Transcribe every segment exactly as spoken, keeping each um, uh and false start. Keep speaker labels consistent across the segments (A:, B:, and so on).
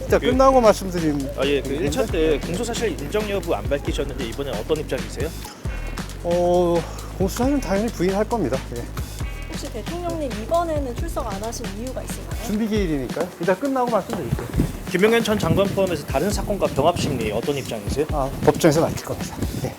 A: 이따
B: 그-
A: 끝나고 말씀드린.
B: 아, 예, 그 일 차 때 공소사실 인정 여부 안 밝히셨는데 이번엔 어떤 입장이세요?
A: 어, 공수처는 당연히 부인할 겁니다. 예.
C: 혹시 대통령님 이번에는 출석 안 하신 이유가 있을까요?
A: 준비 기일이니까요. 이따 끝나고 말씀드릴게요.
B: 김용현 전 장관 포함해서 다른 사건과 병합 심리 어떤 입장이세요?
A: 아, 법정에서 밝힐 겁니다. 예.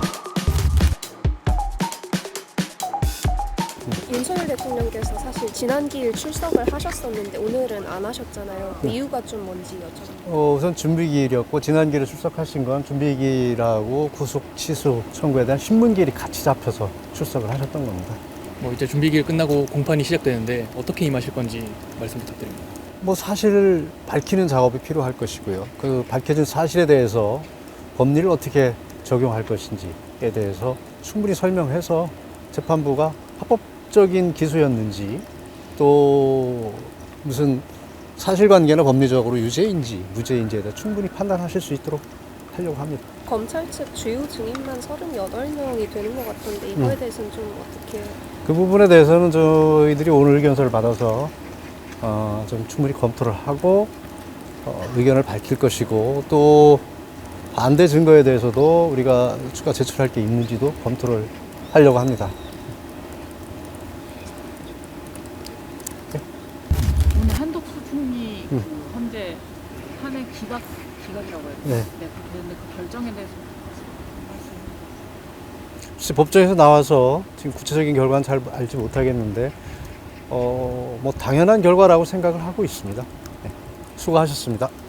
D: 윤석열 대통령께서 사실 지난 기일 출석을 하셨었는데 오늘은 안 하셨잖아요. 그 이유가 좀 뭔지 여쭤봅니다.
A: 어, 우선 준비 기일이었고 지난 기일에 출석하신 건 준비 기일하고 구속 취소 청구에 대한 신문 기일이 같이 잡혀서 출석을 하셨던 겁니다.
E: 뭐 이제 준비기일 끝나고 공판이 시작되는데 어떻게 임하실 건지 말씀 부탁드립니다.
A: 뭐 사실을 밝히는 작업이 필요할 것이고요. 그 밝혀진 사실에 대해서 법리를 어떻게 적용할 것인지에 대해서 충분히 설명해서 재판부가 합법적인 기소였는지 또 무슨 사실관계나 법리적으로 유죄인지 무죄인지에 대해 충분히 판단하실 수 있도록 하려고 합니다.
D: 검찰 측 주요 증인만 서른여덟 명이 되는 것 같던데 이거에 대해서는 좀 어떻게...
A: 그 부분에 대해서는 저희들이 오늘 의견서를 받아서 어, 좀 충분히 검토를 하고 어, 의견을 밝힐 것이고 또 반대 증거에 대해서도 우리가 추가 제출할 게 있는지도 검토를 하려고 합니다.
F: 오늘 한독수 총리
A: 음.
F: 그 현재 탄핵 기각 기각이라고 해요.
A: 네.
F: 네. 그, 근데 그 결정에 대해서 말씀.
A: 혹시 법정에서 나와서 지금 구체적인 결과는 잘 알지 못하겠는데 어, 뭐 당연한 결과라고 생각을 하고 있습니다. 네. 수고하셨습니다.